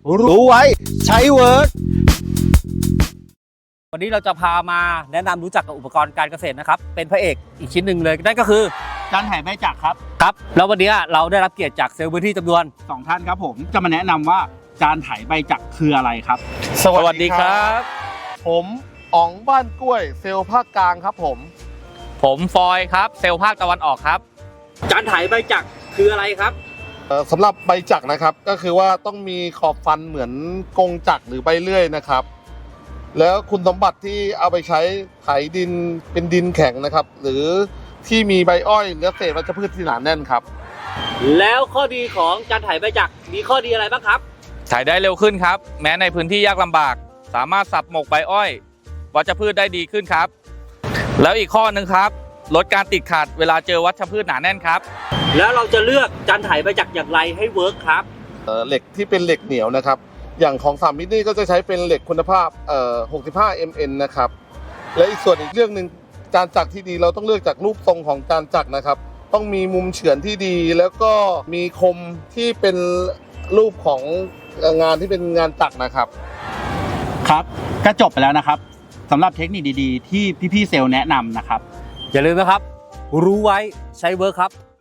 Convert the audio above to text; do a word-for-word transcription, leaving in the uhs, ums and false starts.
รู้ไว้ใช้เวิร์กวันนี้เราจะพามาแนะนำรู้จักกับอุปกรณ์การเกษตรนะครับเป็นพระเอกอีกชิ้นหนึ่งเลยนั่นก็คือจานไถใบจักรครับครับแล้ววันนี้เราได้รับเกียรติจากเซลล์พื้นที่จำนวนสองท่านครับผมจะมาแนะนำว่าจานไถใบจักรคืออะไรครับสวัสดีครับ ผมอ๋องบ้านกล้วยเซลล์ภาคกลางครับผมผมฟอยครับเซลล์ภาคตะวันออกครับจานไถใบจักรคืออะไรครับเอ่อสำหรับใบจักรนะครับก็คือว่าต้องมีขอบฟันเหมือนกงจักรหรือใบเลื่อยนะครับ แล้วคุณสมบัติที่เอาไปใช้ไถดินเป็นดินแข็งนะครับ หรือที่มีใบอ้อยและเศษวัชพืชที่หนาแน่นครับแล้วข้อดีของจานไถใบจักรมีข้อดีอะไรบ้างครับถ่ายได้เร็วขึ้นครับ แม้ในพื้นที่ยากลำบาก สามารถสับหมกใบอ้อย วัชพืชได้ดีขึ้นครับ แล้วอีกข้อหนึ่งครับลดการติดขัดเวลาเจอวัชพืชหนาแน่นครับแล้วเราจะเลือกจานไถใบจักรอย่างไรให้เวิร์กครับเอ่อเหล็กที่เป็นเหล็กเหนียวนะครับ อย่างของสามมิตรนี่ก็จะใช้เป็นเหล็กคุณภาพเอ่อหกสิบห้า เอ็ม เอ็น นะครับ และอีกส่วนอีกเรื่องหนึ่งจานจักรที่ดีเราต้องเลือกจากรูปทรงของจานจักรนะครับ ต้องมีมุมเฉือนที่ดี แล้วก็มีคมที่เป็นรูปของงานที่เป็นงานจักรนะครับครับก็จบไปแล้วนะครับสำหรับเทคนิคดีๆ ที่พี่ๆเซลล์แนะนำนะครับอย่าลืมนะครับ รู้ไว้ใช้เวิร์กครับ